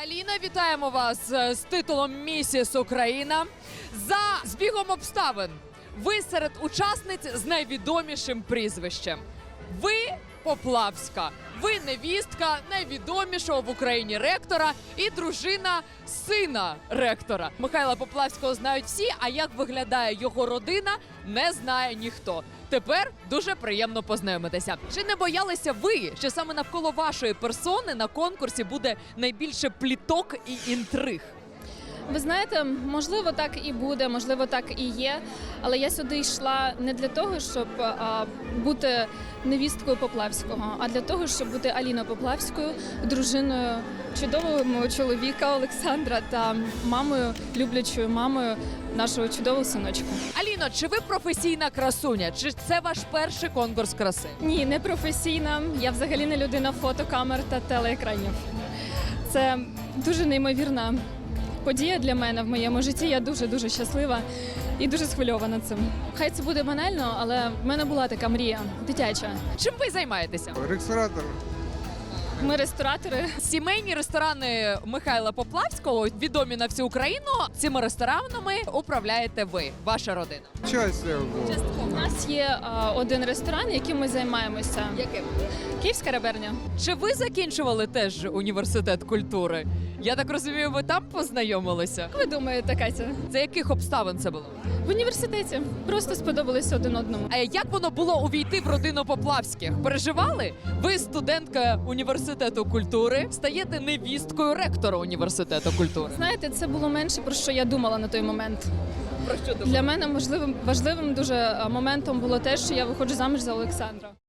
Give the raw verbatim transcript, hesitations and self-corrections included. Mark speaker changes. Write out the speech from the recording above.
Speaker 1: Аліна, вітаємо вас з титулом «Місіс Україна». За збігом обставин ви серед учасниць з найвідомішим прізвищем. Ви Поплавська. Ви невістка найвідомішого в Україні ректора і дружина сина ректора. Михайла Поплавського знають всі, а як виглядає його родина, не знає ніхто. Тепер дуже приємно познайомитися. Чи не боялися ви, що саме навколо вашої персони на конкурсі буде найбільше пліток і інтриг?
Speaker 2: Ви знаєте, можливо, так і буде, можливо, так і є. Але я сюди йшла не для того, щоб а, бути невісткою Поплавського, а для того, щоб бути Аліною Поплавською, дружиною чудового мого чоловіка Олександра та мамою, люблячою мамою нашого чудового синочка.
Speaker 1: Аліно, чи ви професійна красуня? Чи це ваш перший конкурс краси?
Speaker 2: Ні, не професійна. Я взагалі не людина фотокамер та телеекранів. Це дуже неймовірна подія для мене в моєму житті. Я дуже-дуже щаслива і дуже схвильована цим. Хай це буде банально, але в мене була така мрія дитяча.
Speaker 1: Чим ви займаєтеся?
Speaker 3: Ресторатор.
Speaker 2: Ми ресторатори.
Speaker 1: Сімейні ресторани Михайла Поплавського, відомі на всю Україну. Цими ресторанами управляєте ви, ваша родина.
Speaker 3: Часть цього.
Speaker 2: У нас є а, один ресторан, яким ми займаємося.
Speaker 1: Яким?
Speaker 2: Київська реберня.
Speaker 1: Чи ви закінчували теж університет культури? Я так розумію, ви там познайомилися?
Speaker 2: Як ви думаєте, Катя?
Speaker 1: За яких обставин це було?
Speaker 2: В університеті. Просто сподобалися один одному.
Speaker 1: А як воно було увійти в родину Поплавських? Переживали? Ви студентка університету культури, стаєте невісткою ректора університету культури.
Speaker 2: Знаєте, це було менше, про що я думала на той момент.
Speaker 1: Про що думали?
Speaker 2: Для мене можливим важливим дуже а, моментом було те, що я виходжу заміж за Олександра.